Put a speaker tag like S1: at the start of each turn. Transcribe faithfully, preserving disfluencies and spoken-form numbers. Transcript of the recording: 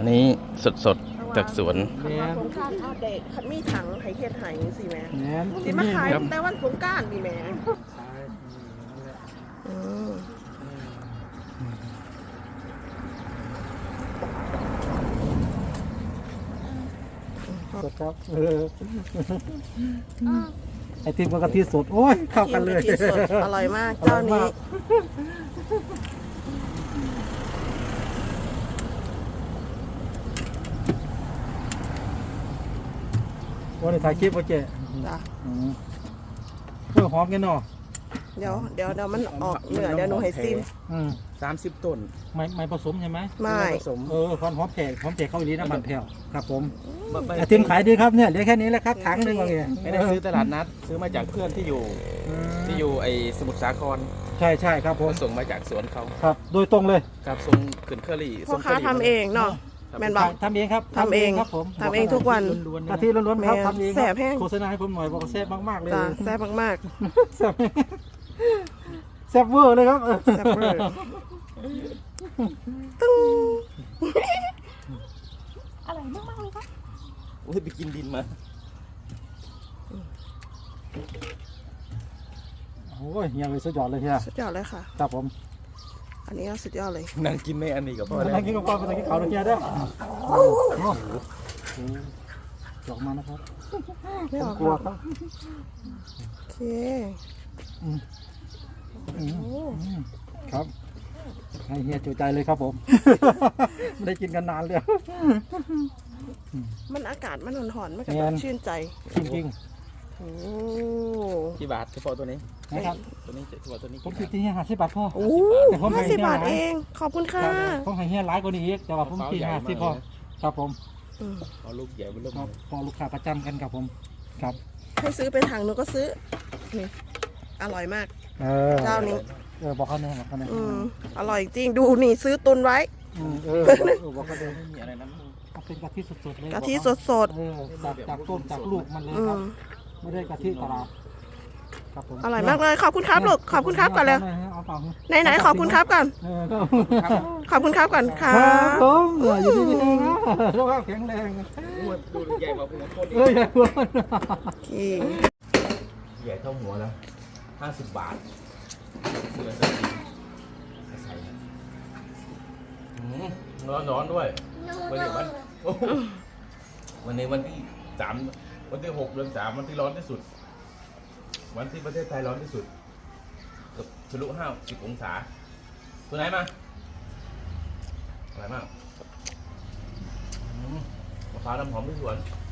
S1: นี้สดๆจากสวน
S2: ขันมาสงกรานต์เอาเด็กขันมีถังไห้เฮ็ดไห้สิแม่สิมาขายแต่วันสงกรานต์ดิแม่อืม
S3: สดครับเออไอติมกับกะทิสดโอ้ยเข้ากันเลย
S2: กินกะทิสดอร่อยมากเจ้านี้
S3: วันนี้ถ่ายคลิปโอเคจ้ะเพื่อหอมกันเนาะ
S2: เดี๋ยวเดี๋ยวเดี๋ยวมันออกเหนือเดี๋ยวหนูให้ซิม
S1: สามสิบต้น
S3: ไม่ไม่ผสมใช่ไหม
S2: ไม่
S3: ผสมเออความหอมแขกหอมแขกเข้าอีลีน้ำมันแผ่วครับผมไอติมขายดีครับเนี่ยเหลือแค่นี้แหละครับถังหนึ่งว่าไง
S1: ไม่ได้ซื้อตลาดนัดซื้อมาจากเพื่อนที่อยู่ที่อยู่ไอสมุทรสาคร
S3: ใช่ใช่ครับผม
S1: ส่งมาจากสวนเขา
S3: ครับโดยตรงเลย
S1: ครับส่งขึ้นเคอรี่
S2: พ่อค้าทำเองเนาะแม่นบอก
S3: ทำเองครับ
S2: ทำเองครับผมทำเองทุกวัน
S3: กะทิล้วนๆครับทำเอง
S2: แซ่บแห้ง
S3: โฆษณาให้ผมหน่อยบอกแซ่บมากๆเลย
S2: แซ่บมาก
S3: ๆแซ่บแซ่บเวอร์เลยครับ
S2: แซ่บเวอร์ตึ้งอร่อยมากๆเลยครับ
S1: โอ้ยไปกินดินมา
S3: โอ้ยเฮียเลยสุดยอดเลยเฮีย
S2: สุดยอดเลยค่ะ
S3: ครับผม
S2: อันนี้สุดยอดเลย
S1: นั่งกินในอันนี้กับพ่อ
S3: นั่งกินกับพ่อไปนั่งกินเขาวเฮียเด้อจอกมานะครับ
S2: ไม่ออก
S3: กลัวครับ
S2: โอเค
S3: ครับให้เฮียจุใจเลยครับผมไม่ได้กินกันนานเลย
S2: มันอากาศมันหอนๆมันก็ชื่นใจ
S3: จริง
S2: ๆโอ้
S1: กี่บาทเฉพาะตัวนี้
S3: นะครับ
S1: ตัวนี้เฉพาะตัวนี้
S3: ผมคิดที่เฮียห้าสิบบาทพ่อ
S2: โอ้ห้าสิบบาทเองขอบคุณค่ะ
S3: ผมให้เฮียร้ายกว่านี้อีกแต่ว่าผมคิดห้าสิบพ่อครับผม
S1: พอลูกใหญ่เป็นลูก
S3: พอลูกค้าประจำกันครับผมครับ
S2: ให้ซื้อไปถังหนูก็ซื้อนี่อร่อยมากเจ้านี้
S3: เออบอกเขาเนี่ยบอกเขาเนี่ย
S2: อร่อยจริงดูนี่ซื้อตุนไว้
S3: เออบอกเขาเลยไม่มีอะไรนะเป็นกะทิสดๆเลย
S2: กะทิสด
S3: ๆจากจากต้นจากลูกมันเลยครับไม่ได้กะทิตลาดครับผม
S2: อร่อยมากเลยขอบคุณครับลูกขอบคุณครับก่อนเลยไหนไหนขอบคุณครับก่อนขอบคุณครับก่อนครับ
S3: ผมอยู่ดีๆนะสุขภาพแข็งแรง
S1: ดูใหญ่กว่าหัวคน
S3: เออใหญ่กว่า
S1: ใหญ่เท่าหัวแล้วห้าสิบบาทเสือใส่ร้อนร้อนด้วยวันนี้วันวันนี้วันที่สามวันที่หกเดือนสามวันที่ร้อนที่สุดวันที่ประเทศไทยร้อนที่สุดเกือบทะลุห้าสิบองศาตัวไหนมาอะไรมากมะพร้าวน้ำหอมที่สวน